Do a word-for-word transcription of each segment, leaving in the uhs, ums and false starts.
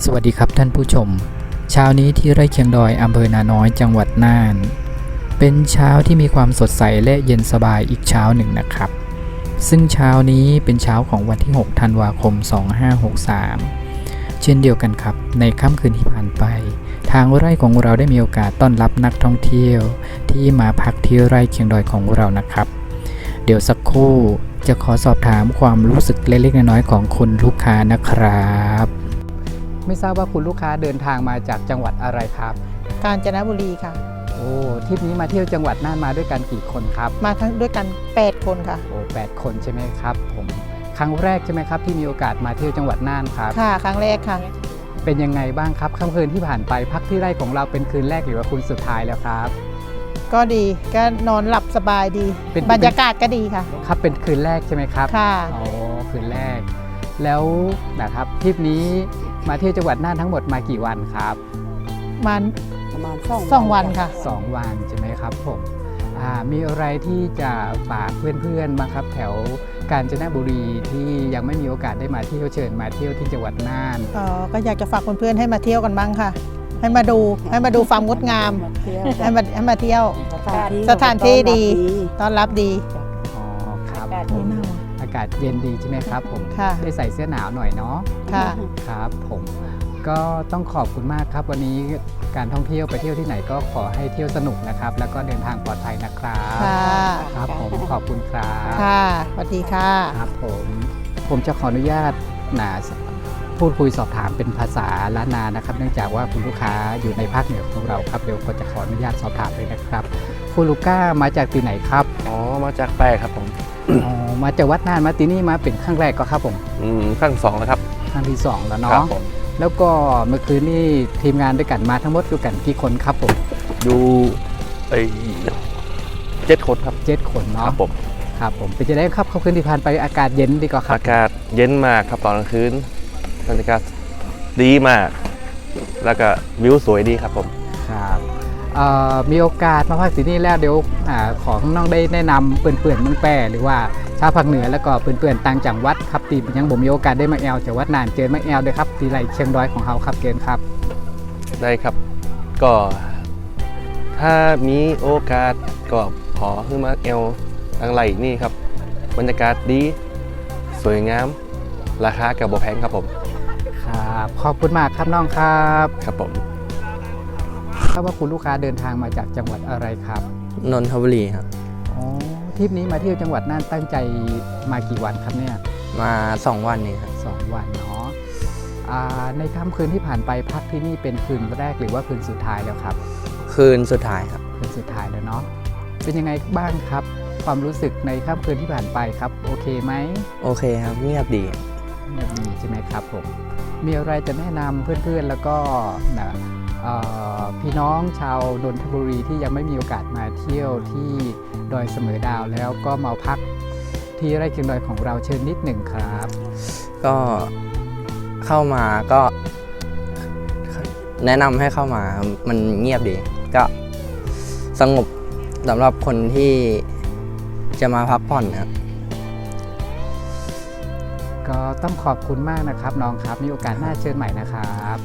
สวัสดีครับท่านผู้ชมเช้านี้ที่ไร่เคียงดอยอำเภอนาน้อยจังหวัดน่านเป็นเช้าที่มีความสดใสและเย็นสบายอีกเช้าหนึ่งนะครับซึ่งเช้านี้เป็นเช้าของวันที่หกธันวาคมสองพันห้าร้อยหกสิบสามเช่นเดียวกันครับในค่ำคืนที่ผ่านไปทางไร่ของเราได้มีโอกาสต้อนรับนักท่องเที่ยวที่มาพักที่ไร่เคียงดอยของเรานะครับเดี๋ยวสักครู่จะขอสอบถามความรู้สึกเล็กๆน้อยๆของคุณลูกค้านะครับไม่ทราบว่าคุณลูกค้าเดินทางมาจากจังหวัดอะไรครับกาญจนบุรีค่ะโอ้ทริปนี้มาเที่ยวจังหวัดน่านมาด้วยกันกี่คนครับมาทั้งด้วยกันแปดคนค่ะโอ้แปดคนใช่ไหมครับผมครั้งแรกใช่ไหมครับที่มีโอกาสมาเที่ยวจังหวัดน่านครับค่ะครั้งแรกค่ะเป็นยังไงบ้างครับค่ำคืนที่ผ่านไปพักที่ไร่ของเราเป็นคืนแรกหรือว่าคืนสุดท้ายแล้วครับก็ดีก็นอนหลับสบายดีบรรยากาศก็ดีค่ะครับเป็นคืนแรกใช่ไหมครับค่ะอ๋อคืนแรกแล้วนะครับทริปนี้มาเที่ยวจังหวัดน่านทั้งหมดมากี่วันครับมันประมาณสองวันค่ะสองวันใช่ไหมครับผมมีอะไรที่จะฝากเพื่อนๆบ้างครับแถวกาญจนบุรีที่ยังไม่มีโอกาสได้มาเที่ยวเชิญมาเที่ยวที่จังหวัดน่านอ๋อก็อยากจะฝากเพื่อนๆให้มาเที่ยวกันบ้างค่ะให้มาดูให้มาดูความงดงามให้มาให้มาเที่ยวสถานที่ดีต้อนรับดีอ๋อครับผมอากาศเย็นดีใช่ไหมครับผมได้ใส่เสื้อหนาวหน่อยเนาะค่ะครับผมก็ต้องขอบคุณมากครับวันนี้การท่องเที่ยวไปเที่ยวที่ไหนก็ขอให้เที่ยวสนุกนะครับแล้วก็เดินทางปลอดภัยนะครับครับผมขอบคุณครับค่ะสวัสดีค่ะครับผมผมจะขออนุญาตนะพูดคุยสอบถามเป็นภาษาล้านนานะครับเนื่องจากว่าคุณลูกค้าอยู่ในภาคเหนือของเราครับเดี๋ยวก็จะขออนุญาตสอบถามเลยนะครับคุณลูก้ามาจากที่ไหนครับอ๋อมาจากแปรครับผมอ๋อมาจากวัดน่านมาที่นี่มาเป็นครั้งแรกก็ครับผมอืมครั้งสองแล้วครับครั้งที่สองแล้วเนาะแล้วก็เมื่อคืนนี้ทีมงานด้วยกันมาทั้งหมดด้วยกันกี่คนครับผมดูไอ้เจ็ดคนครับเจ็ดคนเนาะครับผมครับผมเป็นจะได้ครับค่ำคืนที่ผ่านไปอากาศเย็นดีกว่าครับอากาศเย็นมากครับตอนกลางคืนบรรยากาศดีมากแล้วก็วิวสวยดีครับผมครับมีโอกาสมาพักที่นี่แล้วเดี๋ยวขอข้างนอกได้แนะนำเปื่อนเปื่อนเมืองแปรหรือว่าชาวภาคเหนือแล้วก็เปื่อนเปื่อนต่างจังหวัดครับตียังผมมีโอกาสได้มาแอลจากวัดน่านเจอมาแอลด้วยครับตีไรเชียงดอยของเขาครับเกณฑ์ครับได้ครับก็ถ้ามีโอกาสก็ขอขึ้นมาแอลอังไรนี่ครับบรรยากาศดีสวยงามราคากับบ่แพงครับผมครับขอบคุณมากครับน้องครับครับผมทราบว่าคุณลูกค้าเดินทางมาจากจังหวัดอะไรครับนนทบุรีครับอ๋อทริปนี้มาเที่ยวจังหวัดน่านตั้งใจมากี่วันครับเนี่ยมาสองวันนี่ครับสองวันเนาะในค่ำคืนที่ผ่านไปพักที่นี่เป็นคืนแรกหรือว่าคืนสุดท้ายแล้วครับคืนสุดท้ายครับคืนสุดท้ายแล้วเนาะเป็นยังไงบ้างครับความรู้สึกในค่ำคืนที่ผ่านไปครับโอเคไหมโอเคครับเงียบดีเงียบดีใช่ไหมครับผมมีอะไรจะแนะนำเพื่อนๆแล้วก็นะพี่น้องชาวนนทบุรีที่ยังไม่มีโอกาสมาเที่ยวที่ดอยเสมอดาวแล้วก็มาพักที่ไร่เคียงดอยของเราเชิญนิดหนึ่งครับก็เข้ามาก็แนะนำให้เข้ามามันเงียบดีก็สงบสำหรับคนที่จะมาพักผ่อนครับก็ต้องขอบคุณมากนะครับน้องครับมีโอกาสหน้าเชิญใหม่นะครับ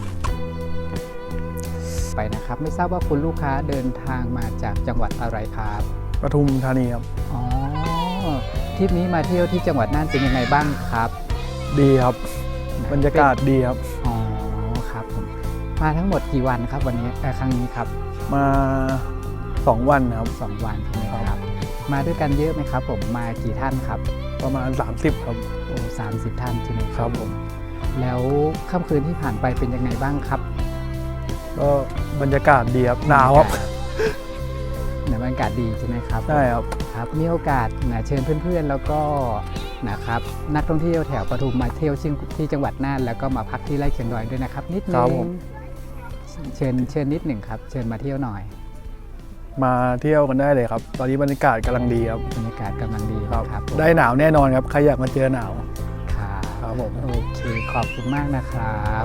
ไปนะครับไม่ทราบว่าคุณลูกค้าเดินทางมาจากจังหวัดอะไรครับปทุมธานีครับอ๋อทริปนี้มาเที่ยวที่จังหวัดน่านเป็นยังไงบ้างครับดีครับบรรยากาศดีครับอ๋อครับผมมาทั้งหมดกี่วันครับวันนี้ครั้งนี้ครับมาสองวันครับสองวันใช่ไหมครับมาด้วยกันเยอะไหมครับผมมากี่ท่านครับประมาณสามสิบครับโอ้สามสิบท่านใช่ไหมครับผมแล้วค่ำคืนที่ผ่านไปเป็นยังไงบ้างครับก็บรรยากาศดีครับหนาวครับบรรยากาศดีใช่ไหมครับใช่ครับครับมีโอกาสนะเชิญเพื่อนๆแล้วก็นะครับนักท่องเที่ยวแถวปทุมมาเที่ยวที่จังหวัดน่านแล้วก็มาพักที่ไร่เคียงดอยด้วยนะครับนิดนึงเชิญเชิญนิดหนึ่งครับเชิญมาเที่ยวหน่อยมาเที่ยวกันได้เลยครับตอนนี้บรรยากาศกำลังดีครับบรรยากาศกำลังดีครับได้หนาวแน่นอนครับใครอยากมาเจอหนาวครับผมโอเคขอบคุณมากนะครับ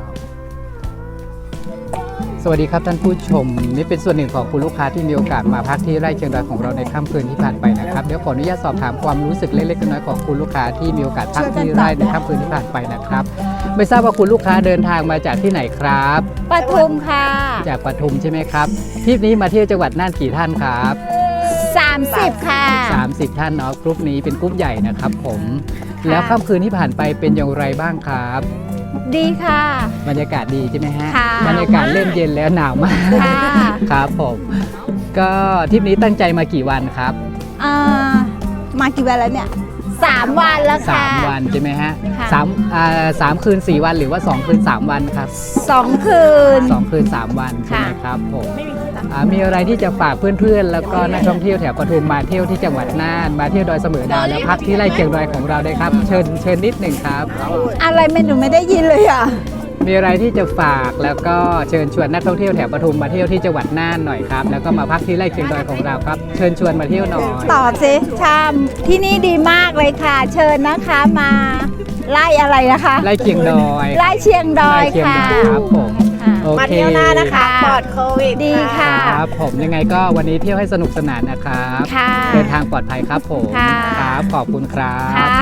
สวัสดีครับท่านผู้ชมนี่เป็นส่วนหนึ่งของคุณลูกค้าที่มีโอกาสมาพักที่ไร่เคียงดอยของเราในค่ำคืนที่ผ่านไปนะครับเดี๋ยวขออนุญาตสอบถามความรู้สึกเล็กๆน้อยๆของคุณลูกค้าที่มีโอกาสพักที่ไร่ในค่ำคืนที่ผ่านไปนะครับไม่ทราบว่าคุณลูกค้าเดินทางมาจากที่ไหนครับปทุมค่ะจากปทุมใช่ไหมครับทริปนี้มาเที่ยวจังหวัดน่านกี่ท่านครับสามสิบค่ะสามสิบท่านเนาะกรุ๊ปนี้เป็นกรุ๊ปใหญ่นะครับผมแล้วค่ำคืนที่ผ่านไปเป็นอย่างไรบ้างครับดีค่ะบรรยากาศดีใช่ไหมฮะค่ะบรรยากาศเริ่มเย็นแล้วหนาวมากค่ะครับผมก็ทริปนี้ตั้งใจมากี่วันครับอ่ามากี่วันแล้วเนี่ยสามวันแล้วค่ะสามวันใช่ไหมฮะค่ะสามอ่าสามคืนสี่วันหรือว่าสองคืนสามวันครับสองคืนสองคืนสามวันใช่ไหมค่ะครับผมอ่ามีอะไรที่จะฝากเพื่อนๆ แล้วก็นักท่องเที่ยวแถวปทุมมาเที่ยวที่จังหวัดน่านมาเที่ยวดอยเสมอดาวแล้วพักที่ไร่เคียงดอยของเราได้ครับเชิญเชิญนิดหนึ่งครับอะไรไม่หนูไม่ได้ยินเลยอ่ะมีอะไรที่จะฝากแล้วก็เชิญชวนนักท่องเที่ยวแถวปทุมมาเที่ยวที่จังหวัดน่านหน่อยครับแล้วก็มาพักที่ไร่เคียงดอยของเราครับเชิญชวนมาเที่ยวหน่อยตอบสิชามที่นี่ดีมากเลยค่ะ เชิญนะคะมาไล่อะไรนะคะไร่เคียงดอยไล่เชียงดอยไร่เคียงค่ะดอยครับผมค่ะโอเคมาเที่ยวหน้านะคะ ปลอดโควิดดีค่ะครับผมยังไงก็วันนี้เที่ยวให้สนุกสนานนะครับค่ะเดินทางปลอดภัยครับผมค่ะครับขอบคุณครับค่ะ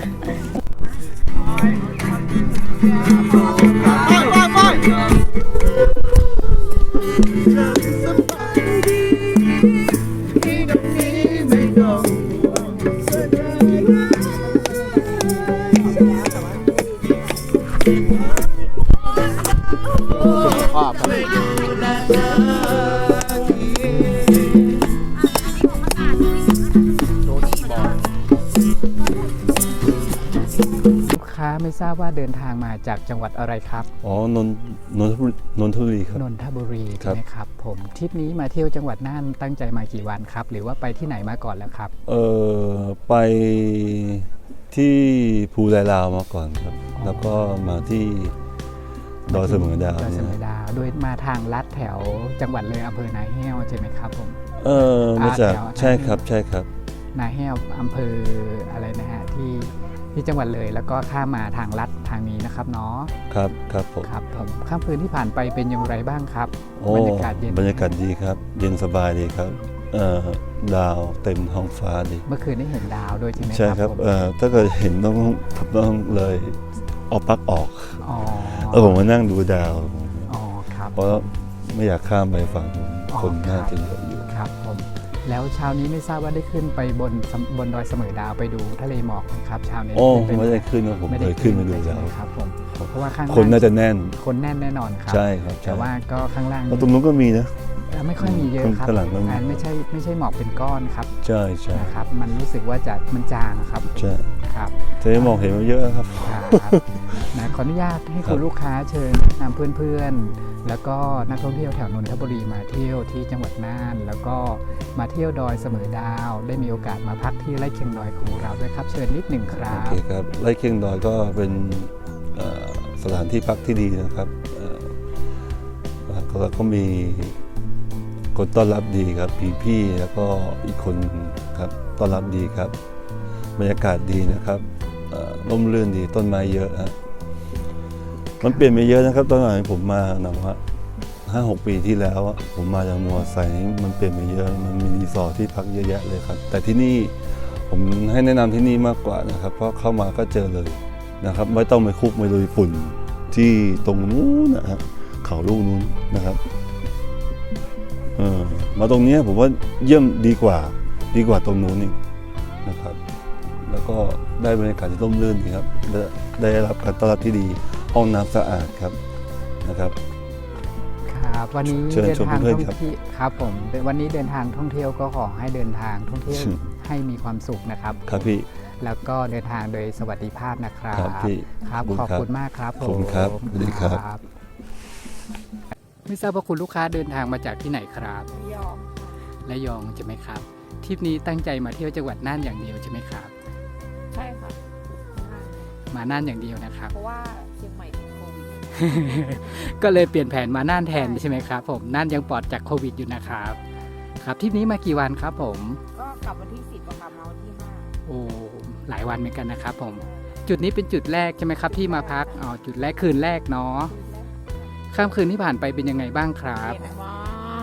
ลูกค้าไม่ทราบว่าเดินทางมาจากจังหวัดอะไรครับอ๋อนนนนทบุรีนนทบุรีครับนนทบุรีครัใช่บไหมครับผมทริปนี้มาเที่ยวจังหวัดน่านตั้งใจมากี่วันครับ หรือว่าไปที่ไหนมาก่อนแล้วครับเออไปที่ภูไลลาวมาก่อนครับ แล้วก็มาที่ดอยเสมอดาวดอยเนี่เสยมอดาวโดยมาทางลัดแถวจังหวัดเลยอำเภอนาแห้วใช่ไหมครับผมเออมาจากอ่าแถวใช่ครับใช่ครับนาแห้วอำเภออะไรนะฮะที่ที่จังหวัดเลยแล้วก็ข้ามมาทางลัดทางนี้นะครับเนาะครับครับผมครับผมข้ามคืนที่ผ่านไปเป็นอย่างไรบ้างครับโอ้บรรยากาศเย็นบรรยากาศดีครับ เย็นสบายดีครับเอ่อดาวเต็มท้องฟ้าดีเมื่อคืนได้เห็นดาวด้วยใช่ไหมใช่ครับผมเอ่อถ้าเกิดเห็นต้องต้องเลยเอาปลั๊กออกอ๋อเออผมมานั่งดูดาวอ๋อครับเพราะไม่อยากข้ามไปฝั่งนู้นอ๋อคนครับน่าจะเยอะอยู่ครับผมแล้วเช้านี้ไม่ทราบว่าได้ขึ้นไปบนสำบนดอยเสมอดาวไปดูทะเลหมอกไหมครับเช้านี้โอ้ขึ้นปไม่ได้ขึ้นนะผมไม่เคได้ยขึ้นไปดูเลยแล้ใช่วไหมครับผมเพราะว่าข้างล่งคนน่าจะแน่นคนแน่นแน่นอนครับใช่ครับใช่แต่ว่าก็ข้างล่างแล้วตรงนู้นก็มีนะไม่ค่อยมีเยอะครับข้างหลังก็มีอ่าไม่ใช่ไม่ใช่หมอกเป็นก้อนครับใช่ใช่นะครับ มันรู้สึกว่าจะมันจางครับใช่ครับจะได้มองเห็นมันเยอะครับครับนะขออนุญาตให้ครัคุบณลูกค้าเชิญนำเพื่อนๆ แล้วก็นักท่องเที่ยวแถวนนทบุรีมาเที่ยวที่จังหวัดน่าน แล้วก็มาเที่ยวดอยเสมอดาว ได้มีโอกาสมาพักที่ไร่เคียงดอยของเราด้วยครับ เชิญนิดหนึ่งครัโอบ เคครับไร่เคียงดอยก็เป็นเอ่อสถานที่พักที่ดีนะครับเอ่อแล้วก็มีคนต้อนรับดีครับพี่พี่ๆแล้วก็อีกคนครับต้อนรับดีครับ บรรยากาศดีนะครับเอ่อร่มรื่นดีต้นไม้เยอะฮะมันเปลี่ยนไปเยอะนะครับตอนหลังผมมานะว่าห้าหกปีที่แล้วอะผมมาจากมัวไซนี่มันเปลี่ยนไปเยอะมันมีรีสอร์ทที่พักเยอะแยะเลยครับ แต่ที่นี่ผมให้แนะนำที่นี่มากกว่านะครับ เพราะเข้ามาก็เจอเลยนะครับ ไม่ต้องไปคุกไปลุยฝุ่นที่ตรงนู้นนะฮะเขาลูกนู้นนะครับเออมาตรงเนี้ยผมว่าเยี่ยมดีกว่าดีกว่าตรงนู้นอีกนะครับ แล้วก็ได้บรรยากาศที่ร่มรื่นดีครับและได้รับการต้อนรับที่ดีห้องน้ำสะอาดครับนะครับครับวันนี้เชิญเดินชมทางเพื่อนท่องครับเที่ยวครับผมวันนี้เดินทางท่องเที่ยวก็ขอให้เดินทางท่องเที่ยวอืมให้มีความสุขนะครับครับพี่แล้วก็เดินทางโดยสวัสดิภาพนะครับครับพี่ครับขอบคุณขอบครับคุณมากครับขอบคุณครับผมสวัสดีครับบไม่ทราบว่าคุณลูกค้าเดินทางมาจากที่ไหนครับยอมระยองใช่ไหมครับทริปนี้ตั้งใจมาเที่ยวจังหวัดน่านอย่างเดียวใช่ไหมครับใช่ค่ะมาน่านอย่างเดียวนะครับเพราะว่าเชียงใหม่ติดโควิดก็เลยเปลี่ยนแผนมาน่านแทนใช่ไหมครับผมน่านยังปลอดจากโควิดอยู่นะครับครับทริปนี้มากี่วันครับผมก็กลับวันที่สิบอะค่ะมาวันที่ห้าโอ้หลายวันเหมือนกันนะครับผมจุดนี้เป็นจุดแรกใช่ไหมครับที่มาพักอ๋อจุดแรกคืนแรกเนาะค่ำคืนที่ผ่านไปเป็นยังไงบ้างครับเย็นมาก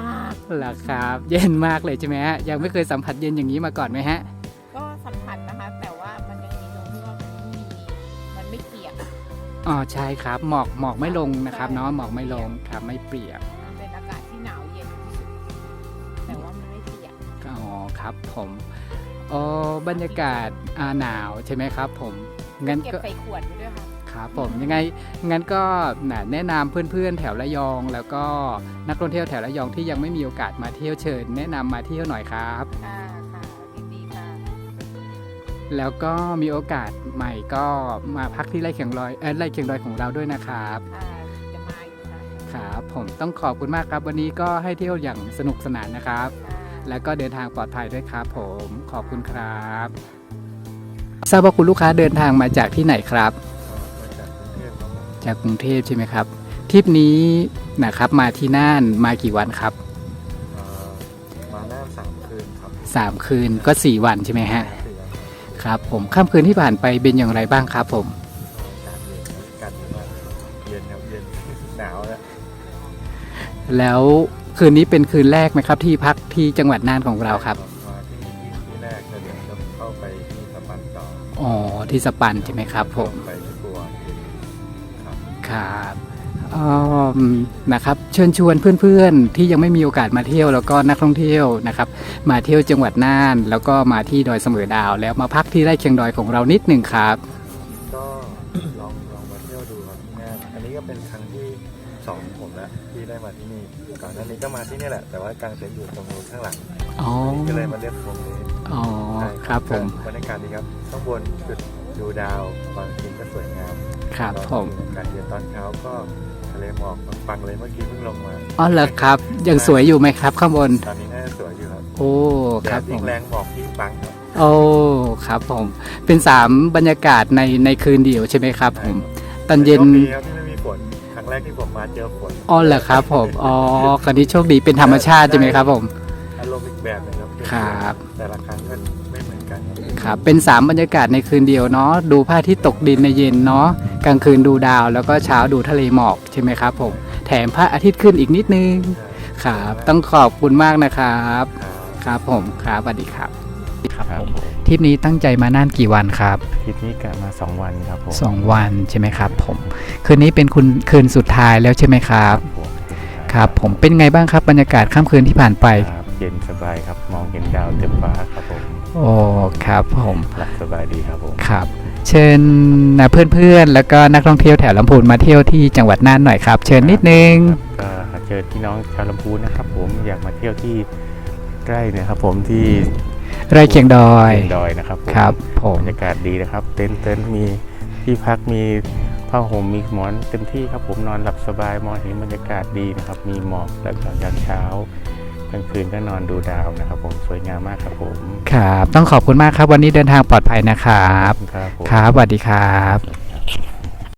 เหรอครับเย็นมากเลยใช่ไหมฮะยังไม่เคยสัมผัสเย็นอย่างนี้มาก่อนไหมฮะก็สัมผัสนะคะ แต่ว่ามันยังมีตรงที่ว่ามันไม่มีมันไม่เปียกอะอ๋อใช่ครับหมอกหมอกไม่ลงนะครับเนาะหมอกไม่ลงครับไม่เปียกมันเป็นอากาศที่หนาวเย็นที่สุดแต่ว่ามันไม่เปียกอ๋อครับผมอ๋อบรรยากาศอ่าหนาวใช่ไหมครับผมงั้นเก็บก็ใส่ขวดไปด้วยค่ะครับผมยังไงงั้นก็น่ะแนะนำเพื่อนๆแถวระยอง แล้วก็นักท่องเที่ยวแถวระยองที่ยังไม่มีโอกาสมาเที่ยวเชิญ แนะนำมาเที่ยวหน่อยครับค่ะค่ะยินดีค่ะแล้วก็มีโอกาสใหม่ก็มาพักที่ไร่เคียงดอยเออไร่เคียงดอยของเราด้วยนะครับค่ะจะมาอีกค่ะครับผมต้องขอบคุณมากครับ วันนี้ก็ให้เที่ยวอย่างสนุกสนานนะครับค่ะแล้วก็เดินทางปลอดภัยด้วยครับผมขอบคุณครับทราบว่าคุณลูกค้าเดินทางมาจากที่ไหนครับ จากกรุงเทพใช่ไหมครับทริปนี้นะครับมาที่น่านมากี่วันครับมาหน้าสามคืนครับสามคืนก็สี่วันใช่ไหมฮะสี่วันครับผมค่ำคืนที่ผ่านไปเป็นอย่างไรบ้างครับผมการเย็นอากาศเย็นมากเย็นครับเย็นหนาวแล้วแล้วคืนนี้เป็นคืนแรกไหมครับที่พักที่จังหวัดน่านของเราครับมาที่ที่ที่แรกแล้วเดี๋ยวจะเข้าไปที่สปันต่ออ๋อที่สปันใช่ไหมครับผมไปที่บัวครับครับอืมนะครับเชิญชวนเพื่อนๆที่ยังไม่มีโอกาสมาเที่ยวแล้วก็นักท่องเที่ยวนะครับมาเที่ยวจังหวัดน่าน แล้วก็มาที่ดอยเสมอดาว แล้วมาพักที่ไร่เคียงดอยของเรานิดหนึ่งครับก็ลองลองมาเที่ยวดูครับที่งานอันนี้ก็เป็นครั้งที่สองของผมแล้วที่ได้มาที่นี่ก่อนหน้านี้ก็มาที่นี่แหละ แต่ว่ากางเต็นท์อยู่ตรงนู้นข้างหลังอ๋อก็เลยมาเลือกตรงนี้อ๋อใช่ครับผมบรรยากาศดีครับข้างบนจุดดูดาวบางทีก็สวยงามครับผมอากาศเย็นตอนเช้าก็ทะเลหมอกฟังๆเลยเมื่อกี้เพิ่งลงมาอ๋อเหรอครับยังสวยอยู่ไหมครับข้างบนตอนนี้น่าจะสวยอยู่ครับโอ้คแดรับดผยิ่มงแรงหมอกยิ่งปังครับโอ้ครับผมเป็นสามบรรยากาศในในคืนเดียวใช่ไหมครับผมตอนเย็นโชคดีครับที่ไม่มีฝนครั้งแรกที่ผมมาเจอฝนอ๋อเหรอครับผมอ๋อคราวนี้โชคดีเป็นธรรมชาติใช่ไหมครับผมอารมณ์อีกแบบหนึงครับครับแต่ละครั้งก็ไม่เหมือนกันครับครับเป็นสามบรรยากาศในคืนเดียวเนาะดูพระอาทิตย์ตกดินในเย็นเนาะกลางคืนดูดาว แล้วก็เช้าดูทะเลหมอกใช่ไหมครับผมแถมพระอาทิตย์ขึ้นอีกนิดนึงครับต้องขอบคุณมากนะครับครับผมครับสวัสดีครับครับผมทริปนี้ตั้งใจมาน่านกี่วันครับทริปนี้กะมาสองวันครับผมสองวันใช่ไหมครับผมคืนนี้เป็นคุณคืนสุดท้ายแล้วใช่ไหมครับครับผมเป็นไงบ้างครับบรรยากาศค่ำคืนที่ผ่านไปครับเย็นสบายครับมองเห็นดาวเต็มฟ้าครับผมโอ้ครับผมหลับสบายดีครับผมครับเชิญนะเพื่อนๆแล้วก็นักท่องเที่ยวแถวลำพูนมาเที่ยวที่จังหวัดน่านหน่อยครับ เชิญนิดนึงก็เชิญพี่น้องชาวลำพูนนะครับผมอยากมาเที่ยวที่ใกล้เนี่ยครับผมที่ไร่เคียงดอยเชียงดอยนะครับผมครับผมบรรยากาศดีนะครับ เต็นท์เต็นท์มีที่พักมีผ้าห่มมีหมอนเต็มที่ครับผมนอนหลับสบายมองเห็นบรรยากาศดีนะครับ มีหมอกแล้วก็ยามเช้ากลางคืนก็นอนดูดาวนะครับผมสวยงามมากครับผมครับต้องขอบคุณมากครับวันนี้เดินทางปลอดภัยนะครับครับผมครับสวัสดีครับ